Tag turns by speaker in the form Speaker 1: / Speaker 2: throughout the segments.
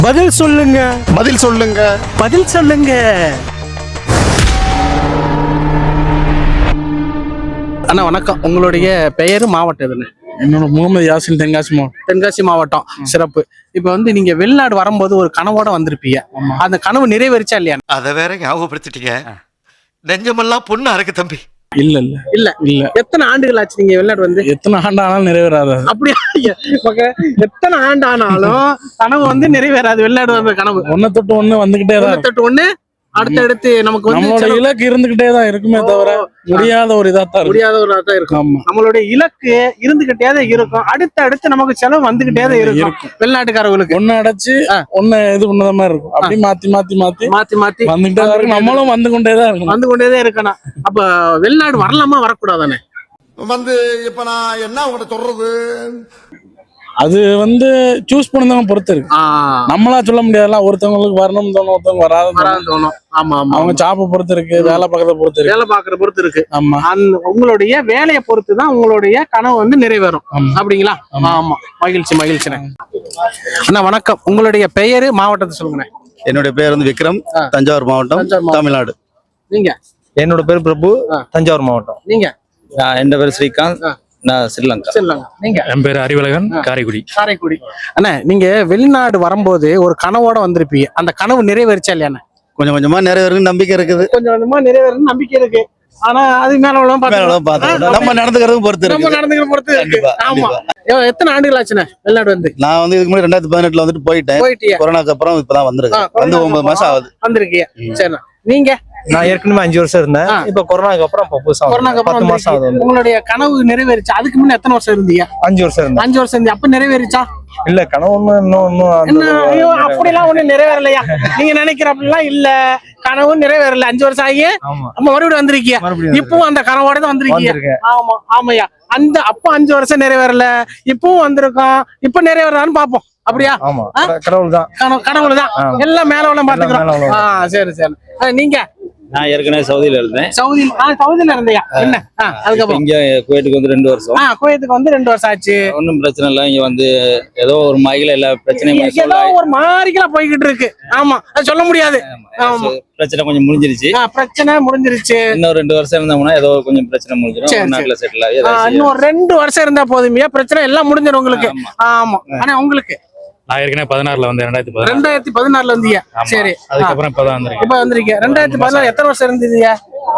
Speaker 1: பதில் சொல்லுங்க.
Speaker 2: பதில் சொல்லுங்க.
Speaker 1: பதில் சொல்லுங்க. அண்ணா வணக்கம். உங்களுடைய பெயர், மாவட்டம் எதுன்னு?
Speaker 3: என்னோட முகமது யாசின், தென்காசி மாவட்டம்.
Speaker 1: தென்காசி மாவட்டம். சிறப்பு. இப்ப வந்து நீங்க வெளிநாடு வரும்போது ஒரு கனவோட வந்திருப்பீங்க. அந்த கனவு நிறைவேறிச்சா இல்லையா?
Speaker 4: அதை வேற ஞாபகப்படுத்திட்டீங்க. நெஞ்சமெல்லாம் பொண்ணு அறக்கு தம்பி.
Speaker 3: இல்ல இல்ல
Speaker 1: இல்ல
Speaker 3: இல்ல.
Speaker 1: எத்தனை ஆண்டுகள் ஆச்சு நீங்க வெளிநாடு வந்து?
Speaker 3: எத்தனை ஆண்டு ஆனாலும் நிறைவேறாது.
Speaker 1: அப்படியா? எத்தனை ஆண்டு ஆனாலும் கனவு வந்து நிறைவேறாது. வெளிநாடு வந்த கனவு
Speaker 3: ஒன்ன தொட்டு ஒண்ணு வந்துகிட்டே தான் இருக்கும்.
Speaker 1: தொட்டு ஒண்ணு அடுத்தடுத்து நமக்கு வந்து
Speaker 3: நம்மளோட இலக்கு இருந்துகிட்டே தான் இருக்குமே தவிர முடியாத ஒரு இதா தான்
Speaker 1: முடியாத ஒரு தான் இருக்கும்.
Speaker 3: ஆமா,
Speaker 1: நம்மளுடைய இலக்கு இருந்துகிட்டே தான் இருக்கும். அடுத்து நமக்கு செலவு வந்துகிட்டே தான் இருக்கும். வெளிநாட்டுக்காரர்களுக்கு
Speaker 3: ஒண்ணு அடைச்சு ஒண்ணு இது பண்ணத மாதிரி இருக்கும். அப்படி மாத்தி மாத்தி மாத்தி
Speaker 1: மாத்தி மாத்தி
Speaker 3: வந்துகிட்டே தான் இருக்கும். நம்மளும் வந்து கொண்டே தான் இருக்கும்.
Speaker 1: வந்து கொண்டே தான் இருக்கணும். அப்ப வெளிநாடு வரலாமா வரக்கூடாதானே?
Speaker 2: வந்து இப்ப நான் என்ன உங்கள்கிட்ட சொல்றது?
Speaker 3: அது வந்து சூஸ் பண்ணதவங்க பொறுத்து இருக்கு. நம்மளா சொல்ல முடியாதுல. ஒருத்தவங்களுக்கு வரணும் தோணும், ஒருத்தவங்க வராது தோணும்.
Speaker 1: ஆமா ஆமா.
Speaker 3: அவங்க ஜாப்பை பொறுத்து இருக்கு, வேலை பார்க்கறத பொறுத்து இருக்கு.
Speaker 1: வேலை பார்க்கறத பொறுத்து இருக்கு.
Speaker 3: ஆமா.
Speaker 1: உங்களுடைய வேலையை பொறுத்து தான் உங்களுடைய கனவு வந்து நிறைவேறும். அப்படிங்களா? ஆமா. மகிழ்ச்சி மகிழ்ச்சி. அண்ணா வணக்கம். உங்களுடைய பெயரு, மாவட்டத்தை சொல்லுங்க.
Speaker 5: என்னுடைய பேர் வந்து விக்ரம், தஞ்சாவூர் மாவட்டம், தமிழ்நாடு.
Speaker 1: நீங்க?
Speaker 6: என்னோட பேர் பிரபு, தஞ்சாவூர் மாவட்டம்.
Speaker 1: நீங்க?
Speaker 6: என் பேர் ஸ்ரீகாந்த், நான் ஸ்ரீலங்கா.
Speaker 1: நீங்க?
Speaker 3: என் பேர் அறிவழகன், காரைக்குடி.
Speaker 1: காரைக்குடி. அண்ணா நீங்க வெளிநாடு வரும்போது ஒரு கனவோட வந்திருப்பீங்க. அந்த கனவு நிறைவேறிச்சா இல்லையா?
Speaker 5: கொஞ்சம் கொஞ்சமா நிறைவேறும் நம்பிக்கை இருக்குது.
Speaker 1: கொஞ்சம் கொஞ்சமா நிறைவேறும் நம்பிக்கை இருக்கு. ஆனா அது மேல
Speaker 5: நம்ம நடந்துக்கிறதும் பொறுத்து இருக்கு.
Speaker 1: ஆமா. எத்தனை ஆண்டுகள் ஆச்சுண்ணே வெளிநாடு வந்து?
Speaker 5: நான் வந்து இதுக்கு முன்னாடி 2018 வந்துட்டு போயிட்டேன். கொரோனாக்கு அப்புறம் இப்பதான் வந்திருக்கேன். வந்து 9 மாசம் ஆகுது.
Speaker 1: வந்திருக்கீங்க. சரிண்ணா. நீங்க?
Speaker 6: நான் ஏற்கனவே 5 வருஷம் இருந்தேன். இப்ப கொரோனாக்கு அப்புறம் 10 மாசம் ஆகுது.
Speaker 1: உங்களுடைய கனவு நிறைவேறிச்சா? அதுக்கு முன்ன எத்தனை வருஷம் இருந்தீங்க?
Speaker 6: 5 வருஷம் இருந்தேன்.
Speaker 1: 5 வருஷம் இருந்தீங்க. அப்ப நிறைவேறிச்சா?
Speaker 6: இல்ல, கனவு இன்னும்
Speaker 1: அப்படிலாம் ஒண்ணு நிறைவேறலையா? நீங்க நினைக்கிற அப்படிலாம் இல்ல. கனவு நிறைவேறல. 5 வருஷம் ஆகி நம்ம மறுபடியும் வந்திருக்கீங்க. இப்பவும் அந்த கனவோட தான் வந்திருக்கீங்க. ஆமா ஆமாயா. அப்ப 5 வருஷம் நிறைவேறல, இப்பவும் வந்திருக்கோம். இப்ப நிறைவேறான்னு பாப்போம். அப்படியா?
Speaker 6: கடவுள்
Speaker 1: தான் எல்லாம் மேல உள்ள பாத்துக்கிறோம். சரி சரி. நீங்க?
Speaker 6: நான் ஏற்கனவே சவுதியில இருந்தேன்.
Speaker 1: சவுதியில இருந்தியா? என்ன அதுக்கப்புறம்
Speaker 6: இங்க குவைத்துக்கு வந்து 2 வருஷம்.
Speaker 1: குவைத்துக்கு வந்து 2 வருஷம் ஆச்சு.
Speaker 6: ஒன்னும் பிரச்சனை இல்ல. இங்க வந்து ஏதோ ஒரு மாயில எல்லா பிரச்சனையும்
Speaker 1: ஏதோ ஒரு மாறிக்கலாம் போய்கிட்டு இருக்கு. ஆமா, அது சொல்ல முடியாது.
Speaker 6: பிரச்சனை கொஞ்சம் முடிஞ்சிருச்சு.
Speaker 1: பிரச்சனை முடிஞ்சிருச்சு.
Speaker 6: இன்னும் 2 வருஷம் இருந்தோம்னா ஏதோ கொஞ்சம் பிரச்சனை முடிஞ்சிடும். நாட்டுல செட்டில் ஆகி
Speaker 1: இன்னும் 2 வருஷம் இருந்தா போதுமையா? பிரச்சனை எல்லாம் முடிஞ்சிடும் உங்களுக்கு. ஆமா. ஆனா உங்களுக்கு?
Speaker 3: நான் ஏற்கனவே 16ல வந்து
Speaker 1: 2014 வந்தீங்க. சரி.
Speaker 3: அதுக்கப்புறம் இப்பதான் வந்திருக்கேன்.
Speaker 1: இப்ப வந்திருக்கீங்க. 2014 எத்தனை வருஷம் இருந்தீங்க?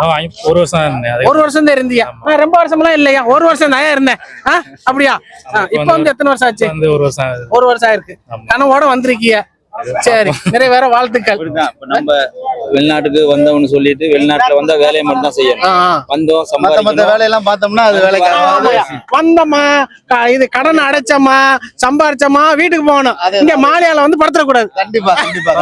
Speaker 3: 1 வருஷம் இருந்தேன்.
Speaker 1: 1 வருஷம் தான் இருந்தீங்க. ரொம்ப வருஷம்லாம் இல்லையா? 1 வருஷம் தான் இருந்தேன். அப்படியா? இப்ப வந்து எத்தனை வருஷம் ஆச்சு? 1 வருஷம் ஆயிருக்கு. கனவோட வந்திருக்கீங்க. சரி, நிறைவேற வாழ்த்துக்கள்.
Speaker 6: நம்ம வெளிநாட்டுக்கு வந்தோம்னு சொல்லிட்டு வெளிநாட்டுல வந்தா வேலையை மட்டும் தான் செய்யணும். வந்தோம்,
Speaker 5: மத்த வேலையெல்லாம் பார்த்தோம்னா அது வேலைக்கு
Speaker 1: வந்தோமா, இது கடன் அடைச்சோமா, சம்பாரிச்சோமா, வீட்டுக்கு போகணும். இங்க மாலையால வந்து படுத்துறக்கூடாது.
Speaker 5: கண்டிப்பா கண்டிப்பா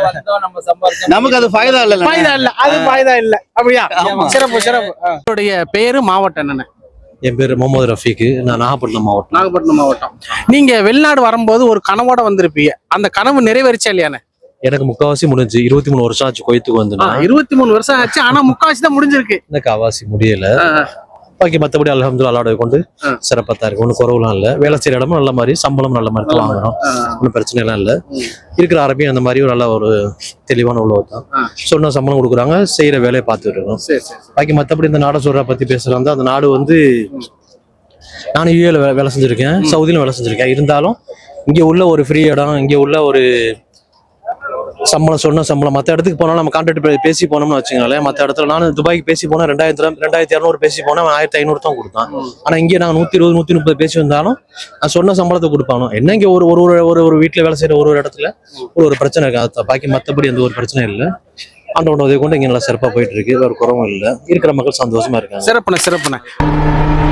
Speaker 5: நமக்கு அது ஃபாய்தா இல்ல.
Speaker 1: அது ஃபாய்தா இல்ல. அப்படியா? சிறப்பு சிறப்பு. உங்களுடைய பேரு, மாவட்டம் என்னன்னு?
Speaker 7: என் பேர் முகமது ரஃபீக். நான் நாகப்பட்டினம்
Speaker 1: மாவட்டம். நீங்க வெளிநாடு வரும்போது ஒரு கனவோட வந்திருப்பீங்க. அந்த கனவு நிறைவேறிச்சா இல்லையானே?
Speaker 7: எனக்கு முக்காவாசி முடிஞ்சு 23 வருஷம் ஆச்சு குவைத்துக்கு வந்து.
Speaker 1: 23 வருஷம் ஆச்சு. ஆனா முக்காவாசி தான் முடிஞ்சிருக்கு.
Speaker 7: எனக்கு அவாசி முடியல. பாக்கி மற்றபடி அல்ஹம்துலில்லாஹ் அல்லாஹ்வை கொண்டு சிறப்பாக தான் இருக்கு. ஒன்றும் குறவுலாம் இல்லை. வேலை செய்யற இடமும் நல்ல மாதிரி, சம்பளம் நல்ல மாதிரி வாங்குறோம். ஒன்றும் பிரச்சனை எல்லாம் இல்லை. இருக்கிற அரபியும் அந்த மாதிரி ஒரு நல்ல ஒரு தெளிவான உள்ளவர் தான். சொன்ன சம்பளம் கொடுக்குறாங்க, செய்யற வேலையை பார்த்துட்டு இருக்கோம். பாக்கி மற்றபடி இந்த நாடை சொல்ற பத்தி பேசுறாங்க. அந்த நாடு வந்து நானும் யூஏல வேலை செஞ்சிருக்கேன், சவுதியிலும் வேலை செஞ்சிருக்கேன். இருந்தாலும் இங்கே உள்ள ஒரு ஃப்ரீ இடம், இங்கே உள்ள ஒரு சம்பளம், சொன்ன சம்பளம் மற்ற இடத்துக்கு போனாலும் நம்ம கான்ட்ராக்ட் பேசி போனோம்னு வச்சுக்கோங்களேன். மற்ற இடத்துல நான் துபாய்க்கு பேசி போனேன், 2200 பேசி போனேன், 1500 தான் கொடுத்தான். ஆனா இங்கே நாங்கள் 120 130 பேசி வந்தாலும் நான் சொன்ன சம்பளத்தை கொடுப்பானோ. என்ன இங்கே ஒரு வீட்டுல வேலை செய்யற ஒரு இடத்துல ஒரு பிரச்சனை இருக்கு. அது பாக்கி மற்றபடி எந்த ஒரு பிரச்சனையும் இல்லை. ஆண்டவன் உதவி கொண்டு இங்கே நல்லா சிறப்பாக போயிட்டு இருக்கு. வேறு குறவும் இல்லை. இருக்கிற மக்கள் சந்தோஷமா இருக்காங்க.
Speaker 1: சிறப்புண்ணே.